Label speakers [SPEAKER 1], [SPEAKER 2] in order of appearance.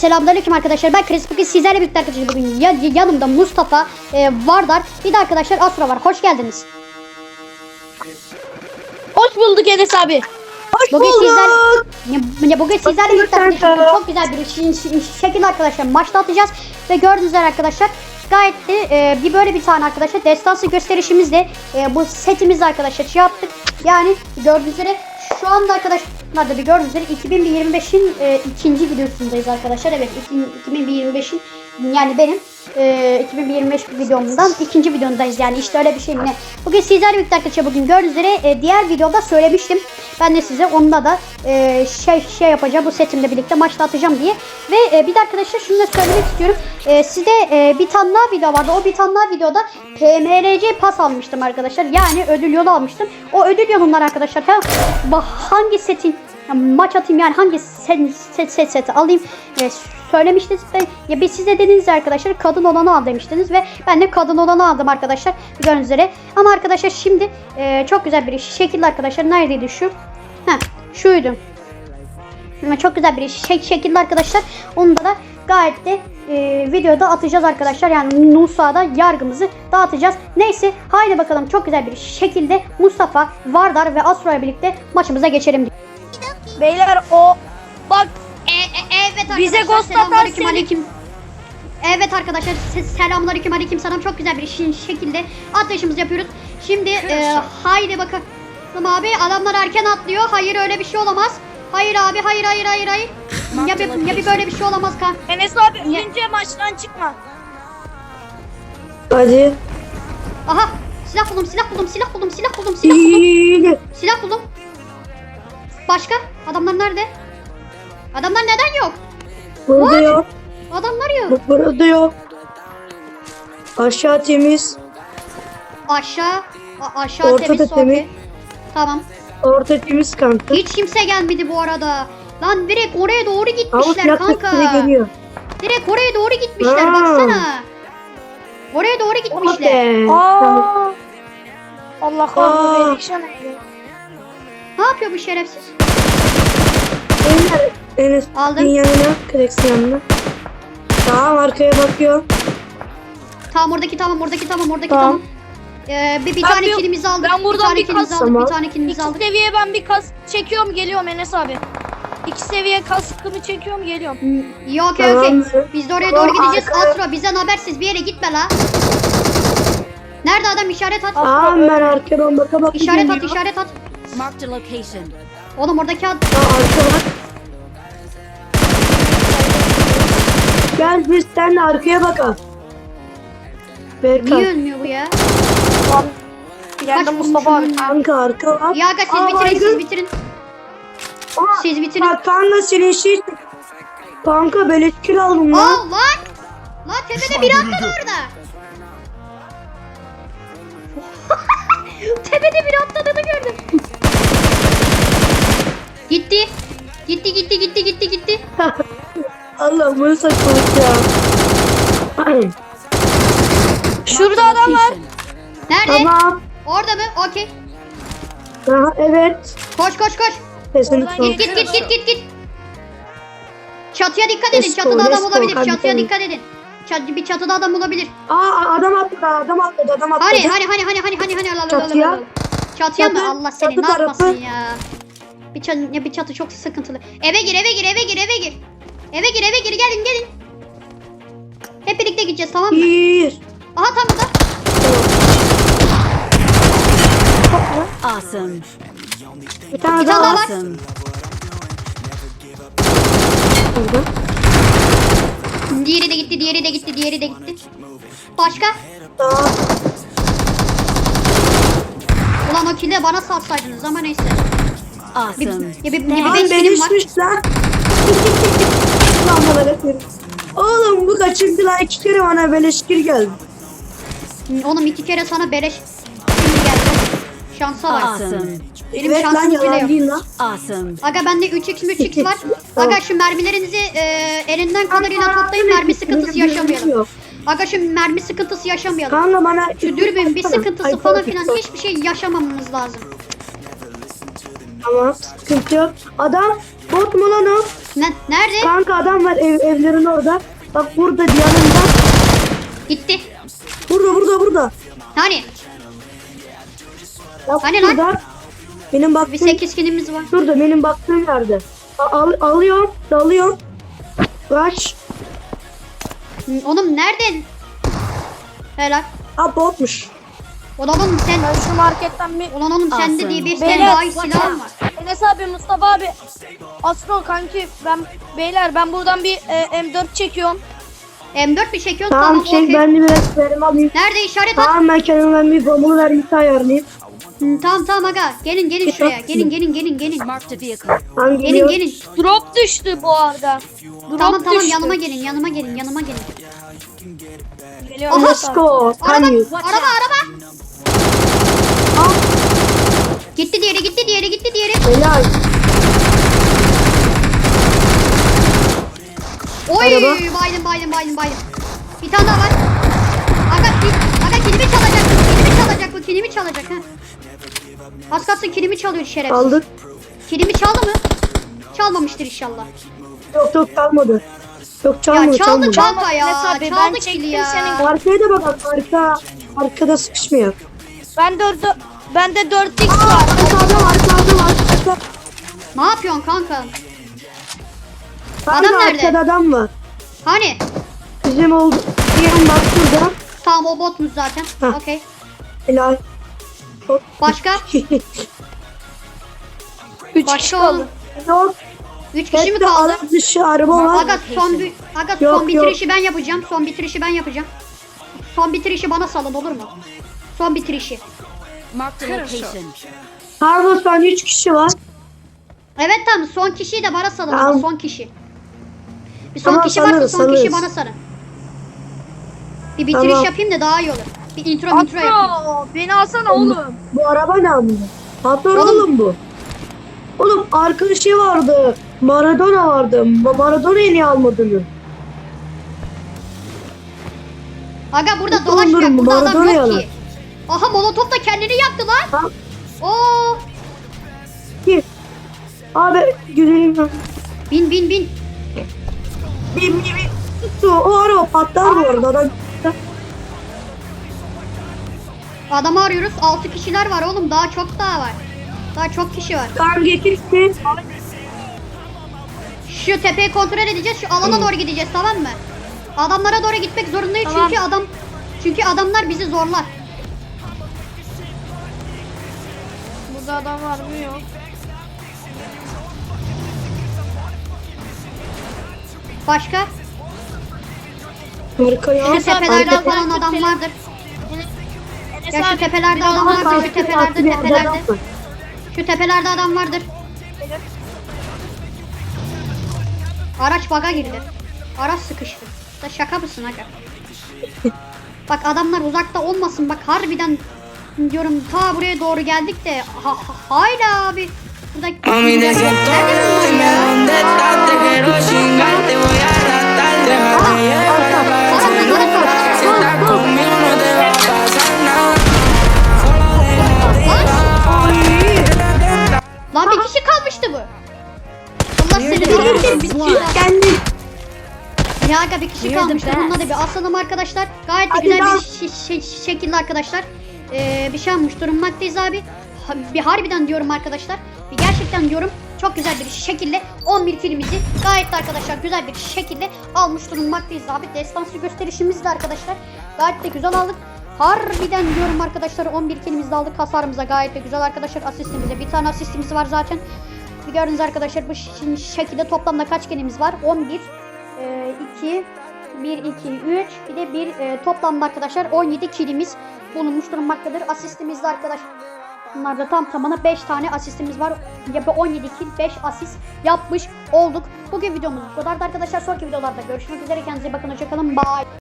[SPEAKER 1] Selamünaleyküm arkadaşlar. Ben Chris. Bugün sizlerle birlikte arkadaşlar bugün yanımda Mustafa, Vardar, bir de arkadaşlar Asura var. Hoş geldiniz.
[SPEAKER 2] Hoş bulduk Enes abi. Hoş
[SPEAKER 1] Bugün
[SPEAKER 2] bulduk.
[SPEAKER 1] bugün sizlerle birlikte arkadaşlar çok güzel bir şekilde arkadaşlar maçta atacağız ve gördüğünüz üzere arkadaşlar gayet de böyle bir tane arkadaşlar destansı gösterişimizle bu setimizle arkadaşlar şey yaptık. Yani gördüğünüz üzere şu anda arkadaşlar da bir gördüğünüz üzere 2025'in ikinci videosundayız arkadaşlar. Evet, 2025'in yani benim 2025 videomdan ikinci videomdayız, yani işte öyle bir şey mi ne. Bugün sizlerle birlikte arkadaşlar bugün gördüğünüz üzere diğer videoda söylemiştim. Ben de size onda da şey yapacağım, bu setimle birlikte maçta atacağım diye. Ve bir de arkadaşlar şunu da söylemek istiyorum. Sizde bir tane daha video vardı. O bir tane daha videoda PMRC pas almıştım arkadaşlar. Yani ödül yolu almıştım. O ödül yolundan arkadaşlar hangi setin maç atayım, yani hangi seti alayım söylemiştiniz. Ya biz size dediniz arkadaşlar kadın olanı al demiştiniz ve ben de kadın olanı aldım arkadaşlar gördüğünüz üzere. Ama arkadaşlar şimdi çok güzel bir şekilde arkadaşlar, neredeydi şu? Şuydu. Çok güzel bir şekilde arkadaşlar, onu da gayet de videoda atacağız arkadaşlar. Yani Nusa'da yargımızı dağıtacağız. Neyse, haydi bakalım çok güzel bir şekilde Mustafa, Vardar ve Asra'yla birlikte maçımıza geçelim.
[SPEAKER 2] Beyler o bak
[SPEAKER 1] Evet
[SPEAKER 2] bize
[SPEAKER 1] arkadaşlar,
[SPEAKER 2] ghost
[SPEAKER 1] selamünaleyküm,
[SPEAKER 2] atar
[SPEAKER 1] aleyküm. Evet arkadaşlar, selamünaleyküm, aleyküm selam. Çok güzel bir şekilde atlayışımızı yapıyoruz. Şimdi haydi bakalım abi, adamlar erken atlıyor. Hayır, öyle bir şey olamaz. Hayır abi, hayır. Ya bir böyle bir şey olamaz kan.
[SPEAKER 2] Enes abi önce maçtan çıkma.
[SPEAKER 3] Hadi.
[SPEAKER 1] Aha, silah buldum. Silah buldum. Başka? Adamlar nerede? Adamlar neden yok?
[SPEAKER 3] Burada
[SPEAKER 1] What?
[SPEAKER 3] yok.
[SPEAKER 1] Adamlar yok.
[SPEAKER 3] Burada yok. Aşağı temiz.
[SPEAKER 1] Aşağı
[SPEAKER 3] Orta
[SPEAKER 1] temiz,
[SPEAKER 3] da temiz.
[SPEAKER 1] okey. Tamam.
[SPEAKER 3] Orta temiz kanka.
[SPEAKER 1] Hiç kimse gelmedi bu arada. Lan direkt oraya doğru
[SPEAKER 3] Ama
[SPEAKER 1] gitmişler
[SPEAKER 3] silah
[SPEAKER 1] kanka.
[SPEAKER 3] sesleri geliyor.
[SPEAKER 1] Direkt oraya doğru gitmişler,
[SPEAKER 3] Ha.
[SPEAKER 1] baksana. Oraya doğru gitmişler.
[SPEAKER 3] Tamam.
[SPEAKER 2] Allah
[SPEAKER 3] Aa.
[SPEAKER 2] kahretsin.
[SPEAKER 1] Ne yapıyor bu şerefsiz?
[SPEAKER 3] Enes
[SPEAKER 1] Aldım.
[SPEAKER 3] yanına, Krex'in yanına. Tamam, arkaya bakıyor.
[SPEAKER 1] Tamam, oradaki tamam.
[SPEAKER 3] Tamam.
[SPEAKER 1] Bir tane kilimizi aldık.
[SPEAKER 2] Ben buradan bir kas-
[SPEAKER 3] Tamam.
[SPEAKER 1] Bir tane kilimizi
[SPEAKER 2] İki
[SPEAKER 1] aldık.
[SPEAKER 2] seviye ben bir kas çekiyorum, geliyorum Enes abi. 2 seviye kaskımı çekiyorum, geliyorum.
[SPEAKER 1] Yok,
[SPEAKER 3] Tamam.
[SPEAKER 1] biz de oraya
[SPEAKER 3] Tamam,
[SPEAKER 1] doğru gideceğiz.
[SPEAKER 3] arkaya.
[SPEAKER 1] Asra, bizden habersiz bir yere gitme la. Nerede adam? İşaret at.
[SPEAKER 3] Tamam, ben arkadan baka
[SPEAKER 1] İşaret at.
[SPEAKER 4] Marked a location.
[SPEAKER 1] Oğlum oradaki adam.
[SPEAKER 3] Arka bak. Gel biz seninle arkaya bakalım.
[SPEAKER 1] Niye
[SPEAKER 3] Berkan.
[SPEAKER 1] ölmüyor bu ya?
[SPEAKER 2] Geldim
[SPEAKER 1] Kaç
[SPEAKER 2] Mustafa abi.
[SPEAKER 3] Kanka arka bak.
[SPEAKER 1] Ya aga, siz
[SPEAKER 3] Aa,
[SPEAKER 1] bitirin,
[SPEAKER 3] baygın. Aa,
[SPEAKER 1] Siz bitirin.
[SPEAKER 3] Bak kanka senin şey. Kanka böyle kill aldım lan.
[SPEAKER 1] Aa lan! Lan tepede biri atladı orada. Tepede biri atladığını gördüm. Gitti.
[SPEAKER 3] Allah, bunu saçmalık ya.
[SPEAKER 2] Şurada adam var.
[SPEAKER 1] Nerede?
[SPEAKER 3] Tamam.
[SPEAKER 1] Orada mı? Okey.
[SPEAKER 3] Aha, evet.
[SPEAKER 1] Koş.
[SPEAKER 3] Kesinlikle.
[SPEAKER 2] Oradan
[SPEAKER 1] Git. Çatıya dikkat edin.
[SPEAKER 3] Let's go,
[SPEAKER 1] Çatıda adam
[SPEAKER 3] let's go.
[SPEAKER 1] olabilir.
[SPEAKER 3] Hadi
[SPEAKER 1] Çatıya
[SPEAKER 3] gidelim.
[SPEAKER 1] dikkat edin. Bir çatıda adam olabilir.
[SPEAKER 3] Aa, adam atladı.
[SPEAKER 1] Hani.
[SPEAKER 3] Çatıya.
[SPEAKER 1] Çatıya mı?
[SPEAKER 3] Çatı-
[SPEAKER 1] Allah seni
[SPEAKER 3] çatı
[SPEAKER 1] ne yapmasın
[SPEAKER 3] tarafı.
[SPEAKER 1] ya. Bir çatı çok sıkıntılı. Eve gir. Gelin. Hep birlikte gideceğiz, tamam mı?
[SPEAKER 3] Bir.
[SPEAKER 1] Aha, tam burada.
[SPEAKER 4] Awesome.
[SPEAKER 3] Bir tane
[SPEAKER 1] Bir tane
[SPEAKER 3] daha
[SPEAKER 1] daha
[SPEAKER 3] var.
[SPEAKER 1] var.
[SPEAKER 4] Awesome.
[SPEAKER 3] Burada.
[SPEAKER 1] Diğeri de gitti. Başka?
[SPEAKER 3] Daha.
[SPEAKER 1] Ulan o kille bana salsaydınız ama neyse.
[SPEAKER 4] Awesome.
[SPEAKER 1] Bir
[SPEAKER 3] Lan
[SPEAKER 1] beş kilim var.
[SPEAKER 3] benişmiş lan. Lan bana bakıyorum. Oğlum bu kaçıncı lan, 2 kere bana böyle şükür geldi.
[SPEAKER 1] Oğlum 2 kere sana beleş şimdi geldi. Şansa bak.
[SPEAKER 4] Awesome.
[SPEAKER 1] Benim
[SPEAKER 3] Evet lan,
[SPEAKER 1] şansım bile
[SPEAKER 3] yalan
[SPEAKER 1] yok.
[SPEAKER 3] değil lan.
[SPEAKER 4] Awesome.
[SPEAKER 1] Aga bende 3x var.
[SPEAKER 3] Tamam.
[SPEAKER 1] Aga şu mermilerinizi elinden kadarıyla
[SPEAKER 3] Kanka,
[SPEAKER 1] toplayın, mermi sıkıntısı
[SPEAKER 3] benim
[SPEAKER 1] yaşamayalım.
[SPEAKER 3] yok.
[SPEAKER 1] Aga şu mermi sıkıntısı yaşamayalım.
[SPEAKER 3] Kanka bana
[SPEAKER 1] Şu dürbün bir sıkıntısı
[SPEAKER 3] Ay,
[SPEAKER 1] falan
[SPEAKER 3] pardon.
[SPEAKER 1] filan hiçbir şey yaşamamamız lazım.
[SPEAKER 3] Tamam, sıkıntı yok. Adam bot mu lan o?
[SPEAKER 1] Nerede?
[SPEAKER 3] Kanka adam var evlerin orada. Bak burada yanında.
[SPEAKER 1] Gitti.
[SPEAKER 3] Burada.
[SPEAKER 1] Hani?
[SPEAKER 3] Bak
[SPEAKER 1] Hani lan?
[SPEAKER 3] burada. Benim
[SPEAKER 1] Bir
[SPEAKER 3] baktığım
[SPEAKER 1] 8 kilimiz var.
[SPEAKER 3] şurada benim baktığım yerde. Alıyorum, dalıyorum. Kaç.
[SPEAKER 1] Oğlum nerede? Helal.
[SPEAKER 3] Ha botmuş.
[SPEAKER 1] Ulan oğlum sen.
[SPEAKER 2] Ben şu marketten bir...
[SPEAKER 1] Ulan oğlum sende
[SPEAKER 4] Awesome.
[SPEAKER 1] diye bir
[SPEAKER 2] Beyler,
[SPEAKER 1] sen daha iyi silahın var.
[SPEAKER 2] Enes abi, Mustafa abi. Astro kanki beyler ben buradan bir M4 çekiyorum.
[SPEAKER 1] M4 bir çekiyorsun
[SPEAKER 3] Tamam
[SPEAKER 1] tamam okey.
[SPEAKER 3] ben de biraz verim alayım.
[SPEAKER 1] Nerede işaret at?
[SPEAKER 3] Tamam ben kendimden bir bombalı vermesi ayarlayayım.
[SPEAKER 1] Tamam aga. Gelin şuraya. Gelin.
[SPEAKER 4] Marked a vehicle.
[SPEAKER 3] Tamam
[SPEAKER 1] Gelin
[SPEAKER 3] geliyor.
[SPEAKER 1] gelin.
[SPEAKER 2] Drop düştü bu arada. Drop
[SPEAKER 1] Tamam
[SPEAKER 2] düştü.
[SPEAKER 1] yanıma gelin.
[SPEAKER 2] Geliyorum.
[SPEAKER 1] Aha.
[SPEAKER 2] Enes abi.
[SPEAKER 3] Let's go.
[SPEAKER 1] Araba.
[SPEAKER 3] Kanyu.
[SPEAKER 1] Gitti diğeri.
[SPEAKER 3] Helal.
[SPEAKER 1] Oy
[SPEAKER 3] Araba.
[SPEAKER 1] baydım. Bir tane daha var. Aga kilimi çalacak ha. Az kalsın kilimi çalıyor şerefsiz.
[SPEAKER 3] Aldık.
[SPEAKER 1] Kilimi çaldı mı? Çalmamıştır inşallah.
[SPEAKER 3] Yok çalmadı. Yok çalmadı.
[SPEAKER 1] Ya çaldı
[SPEAKER 3] çalmadı.
[SPEAKER 1] kanka ya.
[SPEAKER 2] Enes abi, ben
[SPEAKER 1] Çaldı kili
[SPEAKER 2] çektim
[SPEAKER 1] ya.
[SPEAKER 2] senin-
[SPEAKER 3] Arkaya da bak arkada sıkışmıyor.
[SPEAKER 2] Bende 4x var.
[SPEAKER 3] Arkada var.
[SPEAKER 1] Ne yapıyorsun kanka?
[SPEAKER 3] Kanka,
[SPEAKER 1] nerede?
[SPEAKER 3] arkada adam var.
[SPEAKER 1] Hani?
[SPEAKER 3] Bizim oldu. Diyelim bak şurada.
[SPEAKER 1] Tamam o botmuş zaten.
[SPEAKER 3] Heh.
[SPEAKER 1] Okey.
[SPEAKER 3] Helal.
[SPEAKER 1] Başka?
[SPEAKER 2] 3
[SPEAKER 1] Başka
[SPEAKER 2] kişi
[SPEAKER 1] oğlum.
[SPEAKER 2] kaldı.
[SPEAKER 3] Yok.
[SPEAKER 1] 3 kişi mi
[SPEAKER 3] Hep de
[SPEAKER 1] kaldı?
[SPEAKER 3] alan dışı araba var.
[SPEAKER 1] Aga son
[SPEAKER 3] Yok,
[SPEAKER 1] bitirişi ben yapacağım. Son bitirişi bana salın olur mu? Son bitirişi.
[SPEAKER 4] Marked a location.
[SPEAKER 3] Carlos ben 3 kişi var.
[SPEAKER 1] Evet tamam son kişiyi de bana salın.
[SPEAKER 3] Tamam.
[SPEAKER 1] Son kişi. Bir son
[SPEAKER 3] Tamam,
[SPEAKER 1] kişi varsa
[SPEAKER 3] salırız,
[SPEAKER 1] son kişi
[SPEAKER 3] salırız.
[SPEAKER 1] bana sarın. Bir bitiriş
[SPEAKER 3] Tamam.
[SPEAKER 1] yapayım da daha iyi olur. Bir intro yapayım.
[SPEAKER 2] Astro beni alsana oğlum.
[SPEAKER 3] Bu araba ne amına? Patron
[SPEAKER 1] Oğlum.
[SPEAKER 3] oğlum bu. Oğlum arkadaşı vardı. Maradona vardı. Maradona'yı niye almadın?
[SPEAKER 1] Aga burada
[SPEAKER 3] Yok,
[SPEAKER 1] dolaşmıyor.
[SPEAKER 3] oğlum,
[SPEAKER 1] Burada adam
[SPEAKER 3] Maradona
[SPEAKER 1] yok
[SPEAKER 3] yalan.
[SPEAKER 1] ki. Aha Molotov da kendini yaktı lan.
[SPEAKER 3] Ha?
[SPEAKER 1] Oo.
[SPEAKER 3] Gir. Abi güzelim.
[SPEAKER 1] Bin.
[SPEAKER 3] Bir. Tuttu. O araba patlar bu arada. Adam...
[SPEAKER 1] Adamı arıyoruz. 6 kişiler var oğlum. Daha çok var. Daha çok kişi var.
[SPEAKER 3] Tamam getirsin.
[SPEAKER 1] Şu tepeyi kontrol edeceğiz. Şu alana doğru gideceğiz tamam mı? Adamlara doğru gitmek zorundayız
[SPEAKER 2] Tamam.
[SPEAKER 1] çünkü adamlar bizi zorlar.
[SPEAKER 2] Burada adam var mı? Yok.
[SPEAKER 1] Başka?
[SPEAKER 3] Arkaya.
[SPEAKER 1] Şu tepelerde
[SPEAKER 2] biraz
[SPEAKER 1] falan
[SPEAKER 2] daha
[SPEAKER 1] adam
[SPEAKER 2] tepeli-
[SPEAKER 1] vardır.
[SPEAKER 2] Enes
[SPEAKER 1] Ya şu
[SPEAKER 2] abi,
[SPEAKER 1] tepelerde
[SPEAKER 2] biraz
[SPEAKER 1] adam
[SPEAKER 2] daha
[SPEAKER 1] vardır. Şu tepelerde. Şu tepelerde adam vardır. Araç baga girdi. Araç sıkıştı. Da şaka mısın aga? Bak adamlar uzakta olmasın bak harbiden diyorum ta buraya doğru geldik de hala abi. Burada
[SPEAKER 5] Mami, te siento dime dónde estás, te quiero chingar, te voy a arrastrar, déjate llevar a vacilar. Si estás conmigo no te va a pasar nada. Solo déjate llevar.
[SPEAKER 1] Lan bir kişi kalmıştı bu. Allah seni
[SPEAKER 3] Kendi.
[SPEAKER 1] Ya aga bir kişi kalmıştı. Bununla da bir asalım arkadaşlar. Gayet de
[SPEAKER 3] Hadi
[SPEAKER 1] güzel
[SPEAKER 3] lan.
[SPEAKER 1] bir şekilde arkadaşlar. Bir şey almış durumdakiyiz abi. Bir harbiden diyorum arkadaşlar. Bir gerçekten diyorum. Çok güzel bir şekilde 11 kilimizi gayet de arkadaşlar güzel bir şekilde almış durumdakiyiz abi. Destansı gösterişimiz de arkadaşlar. Gayet de güzel aldık. Harbiden diyorum arkadaşlar 11 kilimizi de aldık. Hasarımıza gayet de güzel arkadaşlar. Asistimize bir tane asistimiz var zaten. Bir gördüğünüz arkadaşlar bu şekilde toplamda kaç kilimiz var? 11 2 1 2 3 bir de bir toplamda arkadaşlar 17 kilimiz bulunmuş durmaktadır. Asistimizde arkadaşlar bunlarda tam tamına 5 tane asistimiz var. Yapı 17 kill 5 asist yapmış olduk. Bugün videomuz bu kadardı arkadaşlar. Sonraki videolarda görüşmek üzere. Kendinize bakın. Hoşçakalın. Bye.